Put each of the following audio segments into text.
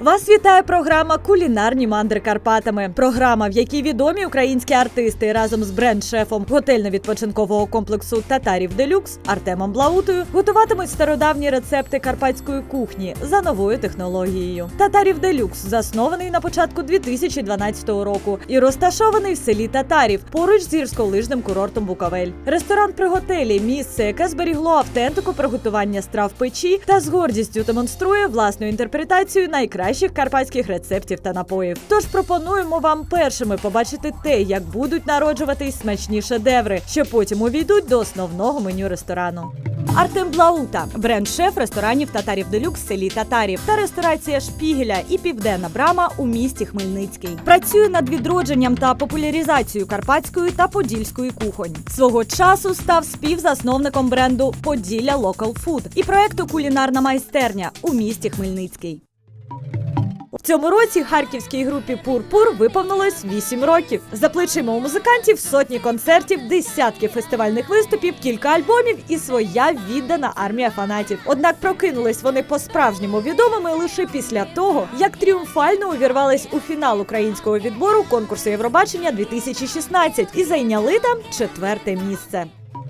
Вас вітає програма «Кулінарні мандри Карпатами». Програма, в якій відомі українські артисти разом з бренд-шефом готельно-відпочинкового комплексу «Татарів Делюкс» Артемом Блаутою готуватимуть стародавні рецепти карпатської кухні за новою технологією. «Татарів Делюкс» заснований на початку 2012 року і розташований в селі Татарів, поруч з гірськолижним курортом Буковель. Ресторан при готелі – місце, яке зберігло автентику приготування страв печі та з гордістю демонструє власну інтерпретацію найкращих карпатських рецептів та напоїв. Тож пропонуємо вам першими побачити те, як будуть народжуватись смачні шедеври, що потім увійдуть до основного меню ресторану. Артем Блаута – бренд-шеф ресторанів «Татарів Делюкс» в селі Татарів та ресторація «Шпігеля» і «Південна брама» у місті Хмельницький. Працює над відродженням та популяризацією карпатської та подільської кухонь. Свого часу став співзасновником бренду «Поділля Локал Фуд» і проекту «Кулінарна майстерня» у місті Хмельницький. В цьому році харківській групі «Пурпур» виповнилось 8 років. За плечима у музикантів сотні концертів, десятки фестивальних виступів, кілька альбомів і своя віддана армія фанатів. Однак прокинулись вони по-справжньому відомими лише після того, як тріумфально увірвались у фінал українського відбору конкурсу Євробачення 2016 і зайняли там 4-те місце.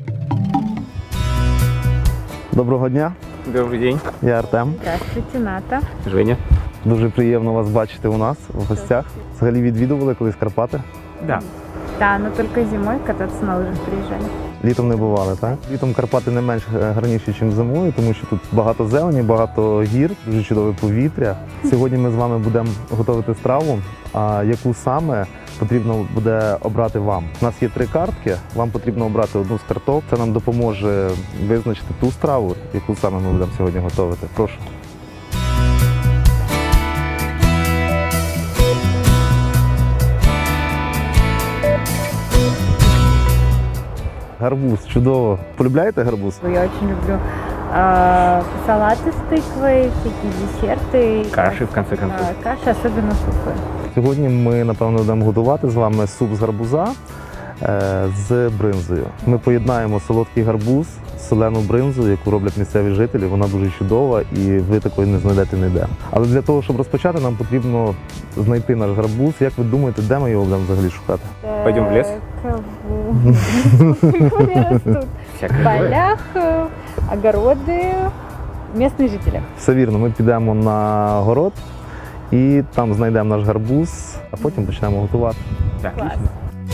Доброго дня, Добрый день. я Артем. Здравствуйте, Ната. Женя. Дуже приємно вас бачити у нас в гостях. Взагалі відвідували колись Карпати? Да. Да, но только зимой кататься на лыжах приезжали. Літом не бували, так? Літом Карпати не менш гарніші, ніж зимою, тому що тут багато зелені, багато гір, дуже чудове повітря. Сьогодні ми з вами будемо готувати страву, а яку саме потрібно буде обрати вам. У нас є 3 картки, вам потрібно обрати одну з карток. Це нам допоможе визначити ту страву, яку саме ми будемо сьогодні готувати. Прошу. Гарбуз, чудово. Полюбляєте гарбуз? Я очень люблю салаты с тыквой, всякие десерты. Каши, в конце концов. Каши, особенно супы. Сьогодні ми, напевно, будемо готувати з вами суп з гарбуза з бринзою. Ми поєднаємо солодкий гарбуз з солену бринзу, яку роблять місцеві жителі. Вона дуже чудова і ви такої не знайдете ніде. Але для того, щоб розпочати, нам потрібно знайти наш гарбуз. Як ви думаєте, де ми його будемо взагалі шукати? Пойдем в лес? Они растут. В Всякое бывает. полях, огороды, местные жители. Все вірно, ми підемо на город і там знайдемо наш гарбуз, а потім почнемо готувати. Да, Класс. отлично.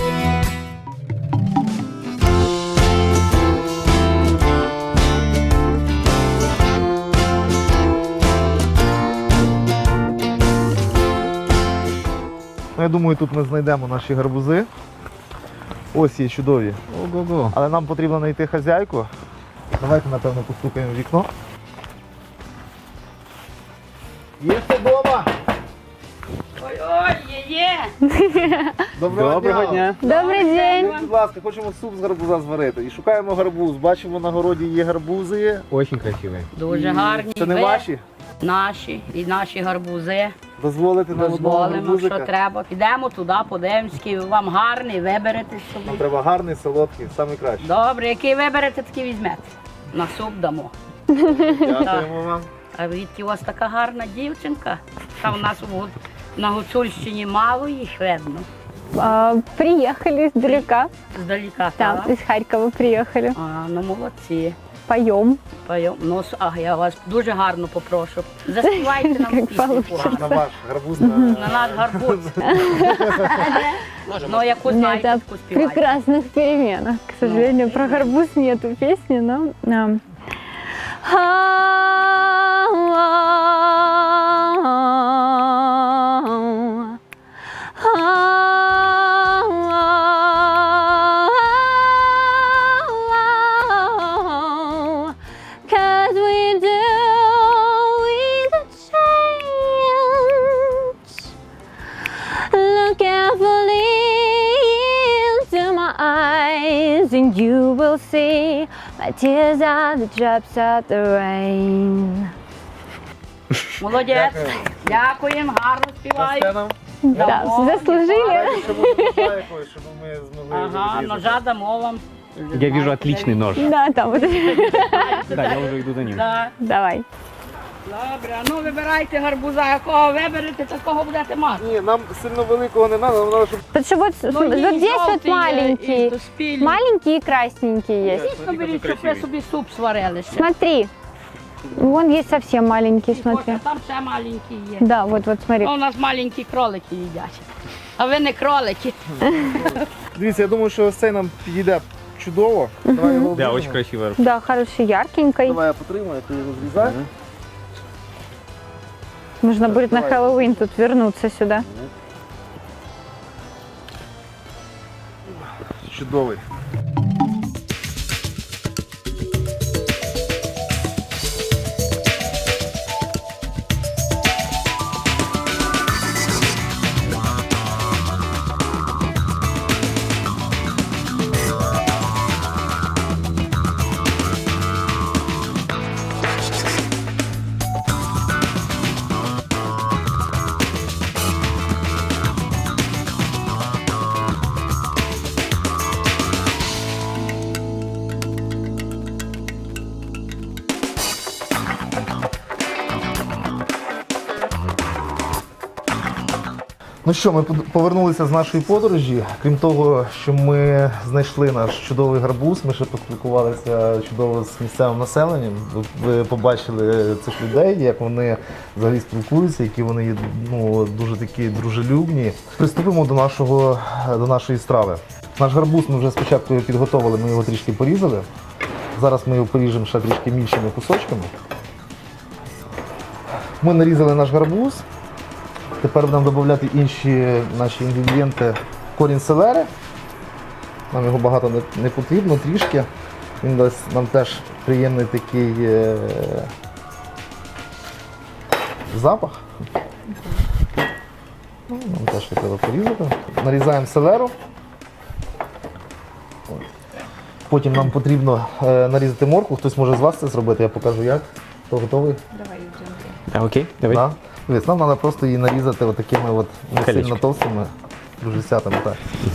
Ну, я думаю, тут ми знайдемо наші гарбузи. Ось є чудові. Ого-го. Але нам потрібно знайти хазяйку. Давайте, напевно, постукаємо в вікно. Є хто вдома? Ой, є! Доброго дня. Добрый день. Будь ласка, хочемо суп з гарбуза зварити. І шукаємо гарбуз. Бачимо, на городі є гарбузи. Очень красивые. Дуже гарні. Це не ви, ваші? Наші і наші гарбузи. Дозволите нам одного Дозволимо, гарбузика? що треба. Підемо туди, подивимось, який вам гарний, виберете Нам собі. треба гарний, солодкий, найкращий. Добре, який виберете, такий візьмете. На суп дамо. Дякуємо вам. А відки у вас така гарна дівчинка? Та в нас на Гуцульщині мало їх видно. Приехали издалека. Здаліка, Там, так? из Харькова приехали. А, ну молодці. Поем. Ну, я вас дуже гарно попрошу. Заспівайте нам Як пісню получиться. На погану. ваш гарбуз. На... На наш гарбуз. Ну, яку знаєте, Это таку співайте. прекрасных переменах. К сожалению, про гарбуз нету песни, но... Cause we do with a change. Look carefully into my eyes, and you will see my tears are the drops of the rain. Молодець. Дякуємо, гарно співаєте. Да, заслужили. Щоб ми змогли Ага, ножа дамо вам. Я вижу отличный нож. Да, там вот. Да, я уже иду за ним. Да. Давай. Добре, а ну вибирайте гарбуза, якого виберете, такого будете мати. Ні, нам сильно великого не треба, нам треба, щоб Потому что вот, Ну, вот есть здесь вот желтые маленькие. и спелые. Маленькие и красненькие есть. Дійсно беріть, щоб ви собі суп сварили ще. Смотри. Вон есть совсем маленький, смотри. Ось, там ще маленькі є. Да, вот смотри. А у нас маленькі кролики їдять. А ви не кролики. Дивіться, я думаю, що ось цей нам підійде чудово. Давай його Да, обріжемо. очень красиво. Да, хороший, яркенький. Давай я потримаю, ти його зрізай. Нужно будет на Хэллоуин тут вернуться сюда. Чудовий. Ну що, ми повернулися з нашої подорожі. Крім того, що ми знайшли наш чудовий гарбуз, ми ще поспілкувалися чудово з місцевим населенням. Ви побачили цих людей, як вони взагалі спілкуються, які вони є дуже такі дружелюбні. Приступимо до нашої страви. Наш гарбуз ми вже спочатку його підготовили, ми його трішки порізали. Зараз ми його поріжемо ще трішки більшими кусочками. Ми нарізали наш гарбуз. Тепер будемо додати інші наші інгредієнти. Корінь селери. Нам його багато не потрібно, трішки. Він дасть нам теж приємний такий запах. Нам теж треба порізати. Нарізаємо селеру. Потім нам потрібно нарізати моркву. Хтось може з вас це зробити, я покажу як. Хто готовий? Да, окей, давай. Да. Дивись, нам треба просто її нарізати отакими от не Колечки. сильно товстими дружесятами. Так.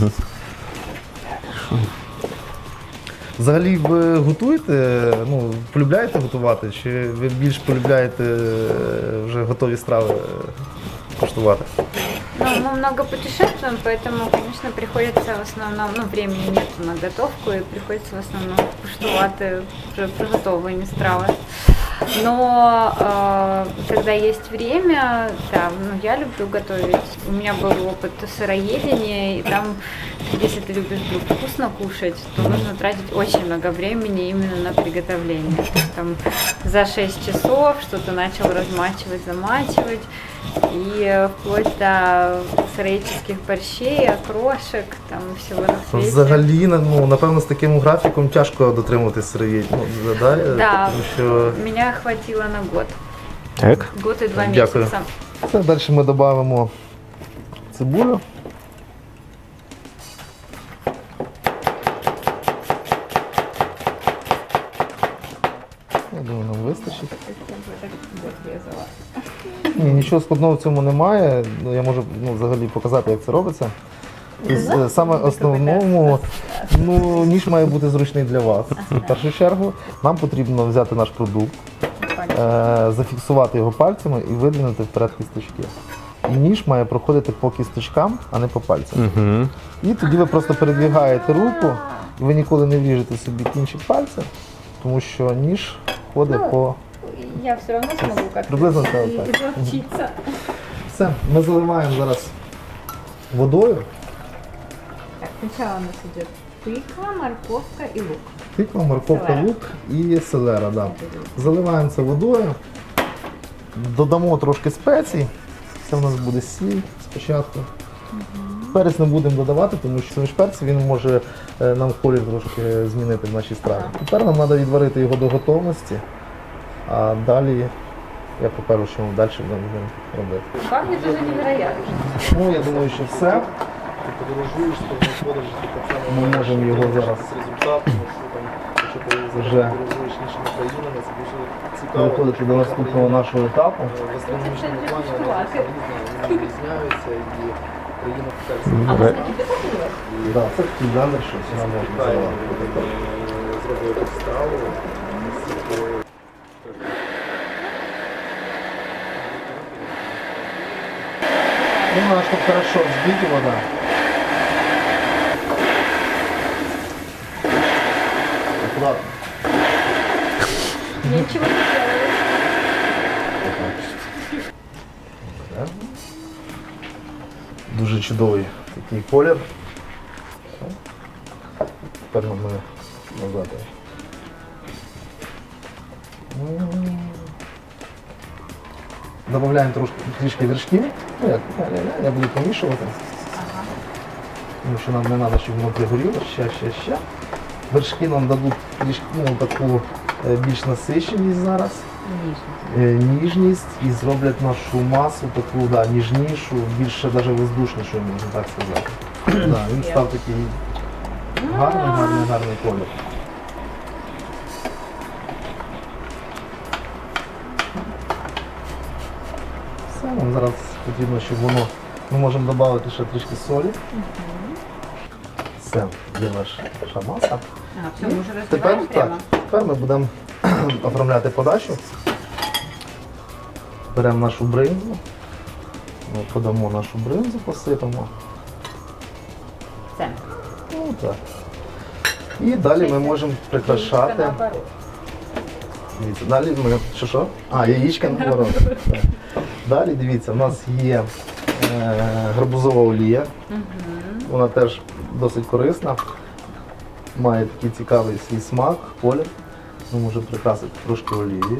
Взагалі ви готуєте, полюбляєте готувати, чи ви більш полюбляєте вже готові страви куштувати? Ну, мы много путешествуем, поэтому, конечно, приходится в основном, времени нет на готовку, и приходится в основном куштувати вже приготовлені страви. Но когда есть время, да, я люблю готовить. У меня был опыт сыроедения, и там, если ты любишь вдруг вкусно кушать, то нужно тратить очень много времени именно на приготовление. То есть там за 6 часов что-то начал размачивать, замачивать, и вплоть до сыроедческих борщей, окрошек, там всего на свете. Взагалі, напевно, з таким графіком тяжко дотримуватись сироїдів. Да, Тому що... меня хватило на год. Так. Год и 2 Дякую. месяца. Це далі ми додамо цибулю. Я думаю, нам вистачить. Ні, нічого складного в цьому немає. Я можу взагалі показати, як це робиться. Тобто, саме основному, ніж має бути зручний для вас. В першу чергу нам потрібно взяти наш продукт, зафіксувати його пальцями і видвинути вперед кісточки. І ніж має проходити по кісточкам, а не по пальцям. Угу. І тоді ви просто передвигаєте руку, і ви ніколи не вріжете собі кінчик пальця, тому що ніж ходить по... Я все равно смогу как-то Приблизно так. изловчиться. Все, ми заливаємо зараз водою. Так, сначала у нас идет тыква, морковка и лук. Тиква, морковка, Селера. лук і селера. Да. Заливаємо це водою, додамо трошки спецій. Це у нас буде сіль спочатку. Перець не будемо додавати, тому що між перець він може нам колір трошки змінити в нашій страві. Тепер нам треба відварити його до готовності, а далі я покажу, що ми далі будемо робити. Пахнет уже невероятно. Я думаю, що все. Ми можемо його зараз вже переходити до наступного нашого етапу. Да, це такий жанр, що сюди можна заливати. Ну, надо, чтобы хорошо взбить его, да. Аккуратно. Ничего не делаю. Дуже чудовий такий колір. Тепер ми назад. Добавляємо трішки вершків. Ну, як, я буду помішувати. Тому що нам не треба, щоб воно пригоріло. Ще. Вершки нам дадуть трішки, таку більш насиченість зараз. Ніжність і зроблять нашу масу таку ніжнішу, більше навіть воздушнішу, можна так сказати. Він став такий гарний колір. Все, нам зараз потрібно, щоб воно, ми можемо додати ще трішки солі. Все, є наша маса. Все, мы уже разбиваем прямо. Тепер ми будемо оформляти подачу. Беремо нашу бринзу, ми подамо нашу бринзу, посипемо. Це. Ну, так. І далі ми можемо прикрашати. Дивіться, далі ми. Що? Яєчка наоборот. Так. Далі дивіться, у нас є гарбузова олія. Вона теж досить корисна. Має такий цікавий свій смак, колір. Ми можемо прикрасити трошки олії.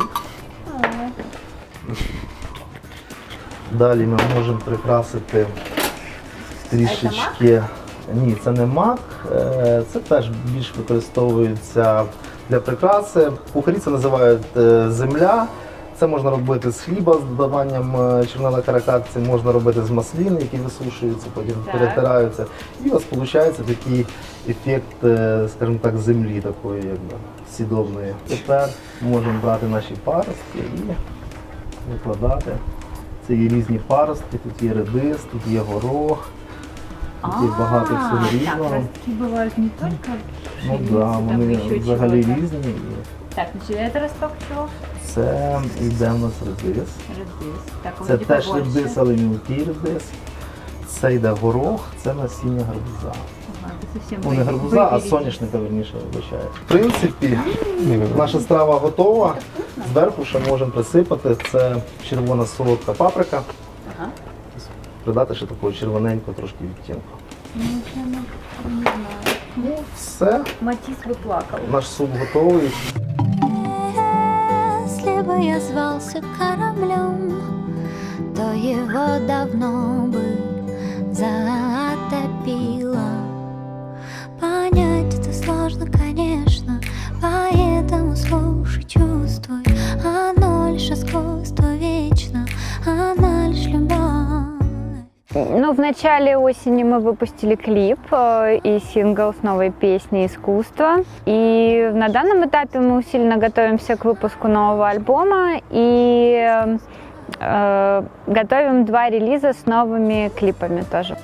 Далі ми можемо прикрасити трішечки. Ні, це не мак, це теж більш використовується для прикраси. Кухарі це називають земля. Це можна робити з хліба з додаванням червоної каракатиці, можна робити з маслин, які висушуються, потім перетираються. І у вас виходить такий ефект, скажімо так, землі такої, якби сідобної. Тепер можемо брати наші паростки і викладати. Це є різні паростки, тут є редис, тут є горох, тут є багато всього різного. Ростки бывают не только Ну так, вони взагалі різні. Так, значит, это росток чего? Це йде в нас редис. Редис. Так, Це вроде теж побольше. редис, але мілкий редис. Це йде горох, це насіння гарбуза. Ага, это совсем Ну не гарбуза, а выберите. соняшника, верніше, вибачаю. В принципі, наша страва готова. Зверху ще можемо присипати. Це червона солодка паприка. Ага. Придати ще такого червоненького трошки відтінку. Ну, прямо, не знаю. Ну, все, Матис бы плакал. наш суп готовий. Если бы я звался кораблем, то его давно бы затопило. Понять это сложно, конечно, поэтому слушай, чувствуй. Оно лишь искусство вечно, она лишь любовь. Ну, в начале осени мы выпустили клип и сингл с новой песней «Искусство». И на данном этапе мы усиленно готовимся к выпуску нового альбома и готовим 2 релиза с новыми клипами тоже.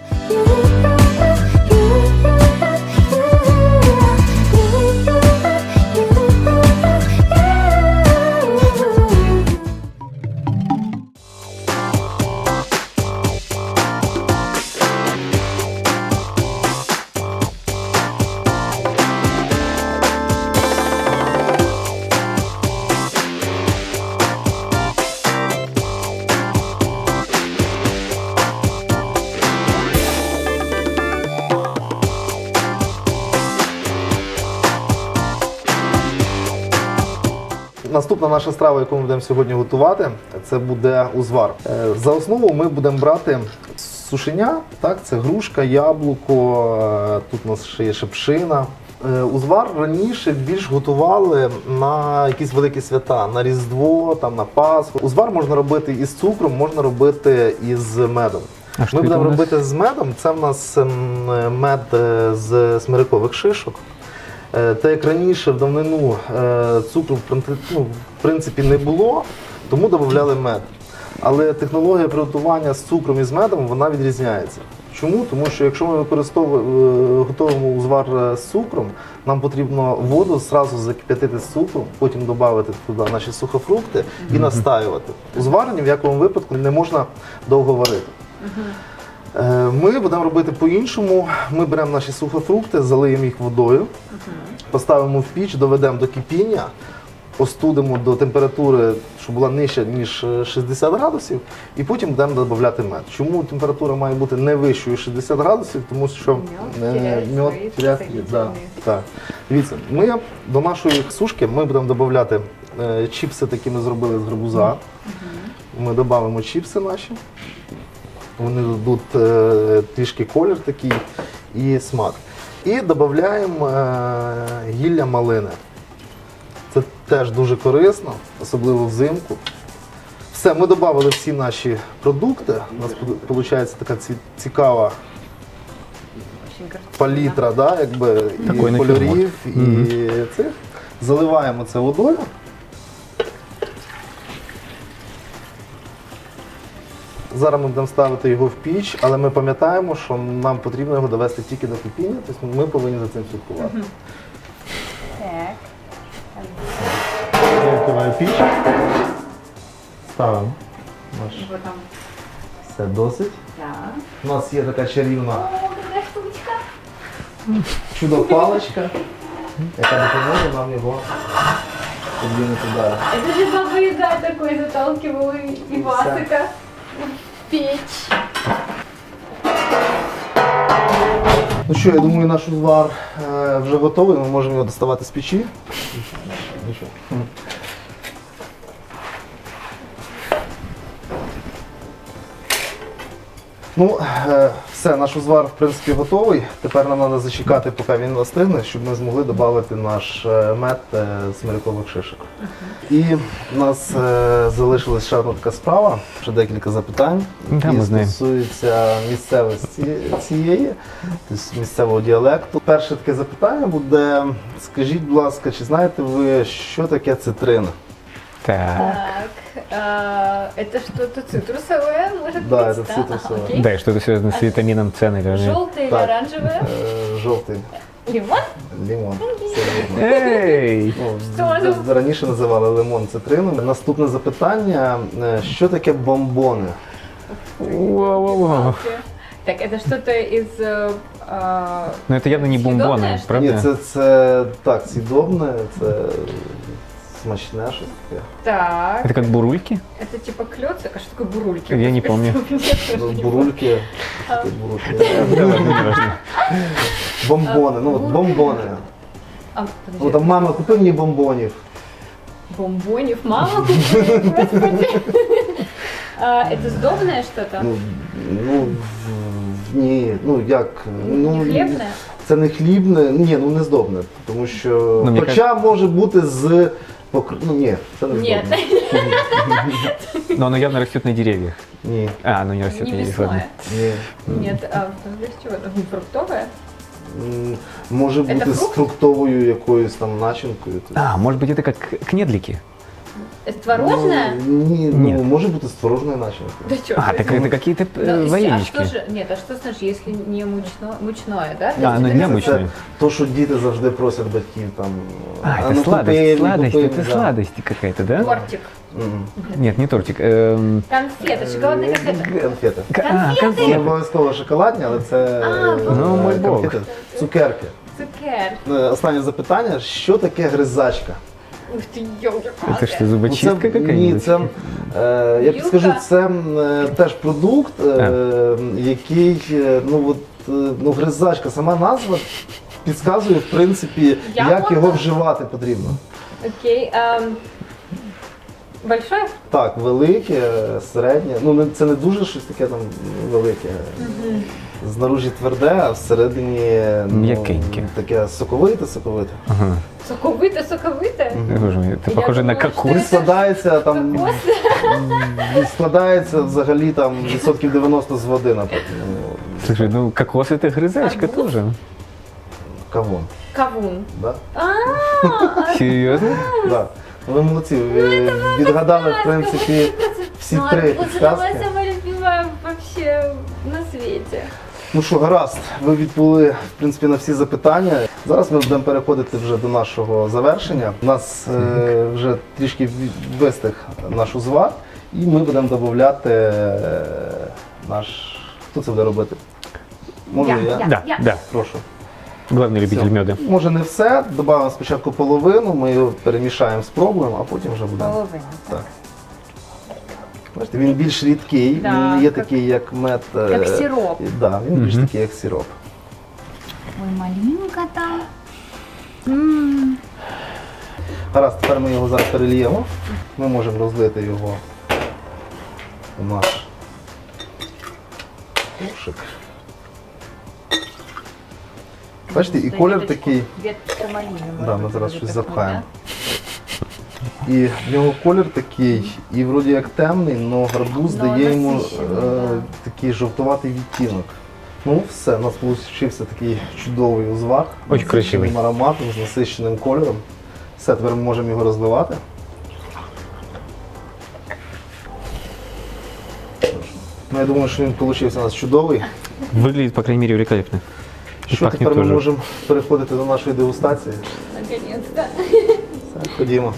Наступна наша страва, яку ми будемо сьогодні готувати, це буде узвар. За основу ми будемо брати сушеня, так, це грушка, яблуко, тут у нас ще є шипшина. Узвар раніше більш готували на якісь великі свята, на Різдво, там, на Пасху. Узвар можна робити із цукром, можна робити із медом. Ми будемо робити з медом, це в нас мед з смирикових шишок. Та як раніше в давнину цукру в принципі не було, тому додавали мед. Але технологія приготування з цукром і з медом вона відрізняється. Чому? Тому що якщо ми готуємо узвар з цукром, нам потрібно воду одразу закип'ятити з цукром, потім додати туди наші сухофрукти і настаювати. Узвар ні в якому випадку не можна довго варити. Ми будемо робити по-іншому. Ми беремо наші сухофрукти, залиємо їх водою, поставимо в піч, доведемо до кипіння, остудимо до температури, щоб була нижча, ніж 60 градусів, і потім будемо додавати мед. Чому температура має бути не вищою 60 градусів? Тому що мед теряє свої, так. Дивіться, ми до нашої сушки ми будемо додавати чіпси, такі ми зробили з гарбуза. Ми додамо чіпси наші. Вони дадуть трішки колір такий і смак. І додаємо гілля малини. Це теж дуже корисно, особливо взимку. Все, ми додали всі наші продукти. У нас виходить така цікава палітра, да, якби, Такий і кольорів, і цих. Заливаємо це водою. Зараз ми будемо ставити його в піч, але ми пам'ятаємо, що нам потрібно його довести тільки до кипіння, тобто ми повинні за цим слідкувати. Так. Я відкриваю піч, ставимо наш. Вот там. Все досить. Так. У нас є така чарівна О, какая штучка. чудо-паличка, яка допоможе нам його подвинути далі. Это же Баба Яга такой заталкивал Ивасика в печь. Ну що, я думаю, наш узвар вже готовий, ми можемо його доставати з печі. Ну що? Ну, все, наш узвар, в принципі, готовий. Тепер нам треба зачекати, поки він остигне, щоб ми змогли додати наш мед з смирякових шишок. І в нас залишилась ще одна така справа, ще декілька запитань, Да, які ми знаємо. стосуються місцевості цієї, тобто місцевого діалекту. Перше таке запитання буде, скажіть, будь ласка, чи знаєте ви, що таке цитрина? Так. Это что-то цитрусовое, может Да, быть? это цитрусовое. Окей. Да, и что-то связано с витамином С, наверное. Желтое или Так. оранжевое? Жовтий Лимон? лимон. Це лимон. Эй! Ну, Що за- раніше називали лимон цитрином. Наступне запитання, що таке бомбони? Вау-вау-вау. Так, это что-то из... Но это явно не съедобное, бомбоны, что ли? Ні, правда? це так, сідобне, це смачне щось таке. Так, Это как бурульки? это типа клёцок, а что такое бурульки? Я не помню. Ну, бурульки. такі бурульки. Да ладно, не важно. Бомбони, ну от бомбони. А, Ну подожди, там мама, купи мені бомбонів. бомбонев, мама купила, господи. Это сдобное что-то? Ну, ні, ну як, ну, Не хлебное? це не хлібне, ні, ну не здобне, тому що, Ну, мені хоча може бути з, ну ні, це не Нет, здобне. Но оно явно растет на деревьях. Ні, А, оно не растет не на деревьях, ладно. мясное. ні. Нет, а из чего это? Фруктовое? Може Це бути з фрукт? фруктовою якоюсь там начинкою. А, может быть, это как кнедлики? Творожное? Ну, ні, Ні. ну може бути з творожною начинкою. Да чё? А, так это какие-то А варенички. что же, нет, а что значит, если не мучное, да? А, ну, это не как- мучное. Це то, що діти завжди просять батьків там. А, ну, это сладость, купи, сладость, купи, это да. сладость какая-то, да? Тортик. Мгм. Нет, не тортик. Конфеты, шоколадные конфеты. Конфети. А, Не конфеты. обов'язково шоколадні, але це Ну, мой Бог. конфети. Цукерки. Цукер. Останнє запитання, що таке гризачка? Ух ты, ёлки-палки. Это что, зубочистка Ні, какая-нибудь? це, я Юлка? підскажу, це теж продукт, який, ну от, ну гризачка, сама назва підказує, в принципі, Я як можна? його вживати потрібно. Окей. Большое? Так, велике, середнє, ну це не дуже щось таке там велике. Знаружі тверде, а всередині М'якеньке. таке соковите. Ага. Соковыто? Боже мой, это Я похоже на думала, что кокос. Складається там, Кокос? складається взагалі там відсотків 90 з води, наприклад. Слушай, ну кокос это грызачка Арбуз? тоже. Кавун. Кавун. Да? Серьезно? Да. Ви молодці, ви відгадали, в принципі, всі Ну, три арбуз это підказки. моя самая любимая вообще на свете. Ну що, гаразд, ви відповіли, в принципі, на всі запитання. Зараз ми будемо переходити вже до нашого завершення. У нас вже трішки вистиг наш узвар, і ми будемо додати наш Хто це буде робити? Можу я? Да. Прошу. Главный любитель Всё. меда. Може не все, додамо спочатку половину, ми його перемішаємо, спробуємо, а потім вже будемо. Половина. Так. Бачите, він більш рідкий, Да, він не є як- такий, як мед. Як сироп. Да, він більш такий, як сироп. Ой, малинка там. Гаразд, тепер ми його зараз перельємо. Ми можемо розлити його у наш кошик. Бачите, і колір такий. Ветка малини. Да, ми зараз щось запхаємо. І в нього колір такий, і вроді як темний, але гарбуз Но дає йому насичений, да. такий жовтуватий відтінок. Ну все, у нас вийшов такий чудовий узвар. Очень з красивий. насиченим ароматом, з насиченим кольором. Все, тепер ми можемо його розливати. Ну, я думаю, що він вийшов у нас чудовий. Выглядит, по крайней мере, великолепно. И Що пахнет тепер ми тоже. можемо переходити до нашої дегустації? Наконец-то. Все, ходімо.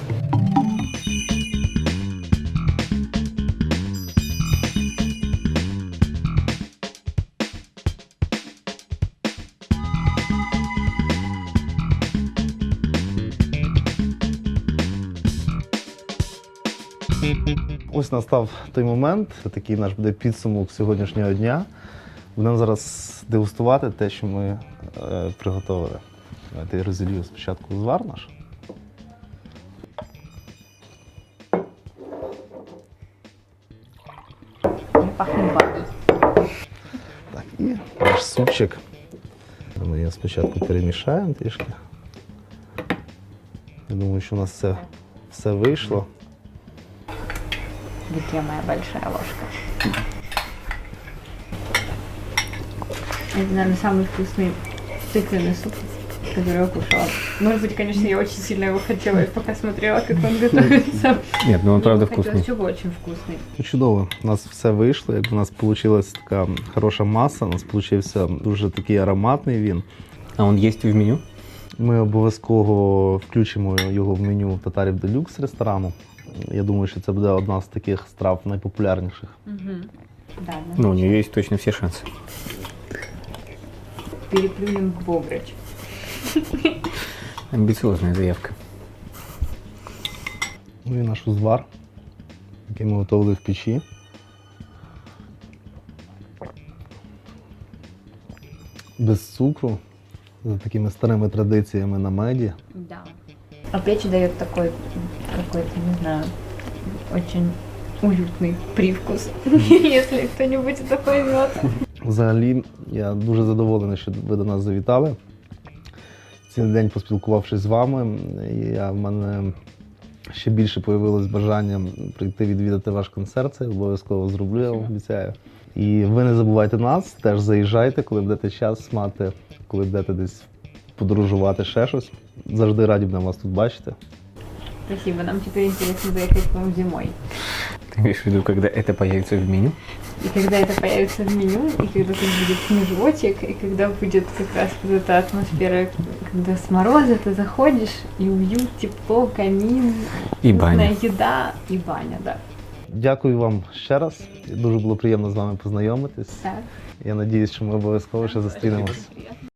Ось настав той момент, такий наш буде підсумок сьогоднішнього дня. Будемо зараз дегустувати те, що ми приготували. Давайте я розілью спочатку узвар наш. Пахнет баней. Так, і наш супчик. Ми його спочатку перемішаємо трішки. Я думаю, що у нас все вийшло. Где моя большая ложка? Это, наверное, самый вкусный тыквенный суп, который я кушала. Может быть, конечно, я очень сильно его хотела, и пока смотрела, как он готовится. Нет, ну он правда Мне хотелось, вкусный. чтобы очень вкусный. Ну, чудово, у нас все вийшло. Якби у нас вийшла така хороша маса, у нас вийшов дуже такий ароматний він. А он есть в меню? Ми обов'язково включимо його в меню татарів делюкс ресторану. Я думаю, що це буде одна з таких страв найпопулярніших. Да, Ну, у нее есть точно все шансы. переплюнем в бобрыч. Амбициозная заявка. Ну і наш узвар, який ми готували в печі. Без цукру, за такими старими традиціями на меді. Да. А печь дает такой какой-то, не знаю, очень уютный привкус, если кто-нибудь это поймет. Взагалі, я дуже задоволений, що ви до нас завітали. Цілий день поспілкувавшись з вами, в мене ще більше появилось бажання прийти відвідати ваш концерт. Це я обов'язково зроблю, я вам обіцяю. І ви не забувайте нас, теж заїжджайте, коли будете час мати, коли будете десь подорожувати, ще щось. Завжди раді будемо вас тут бачити. Спасибо, нам теперь интересно заехать к вам зимой. Ты имеешь в виду, когда это появится в меню? И когда это появится в меню, и когда тут будет снежочек, и когда будет как раз вот эта атмосфера, когда с мороза ты заходишь, и уют, тепло, камин, И вкусная баня. еда и баня, да. Дякую вам ще раз. Дуже було приємно з вами познайомитись. Так. Я сподіваюся, що ми обов'язково ще зустрінемось.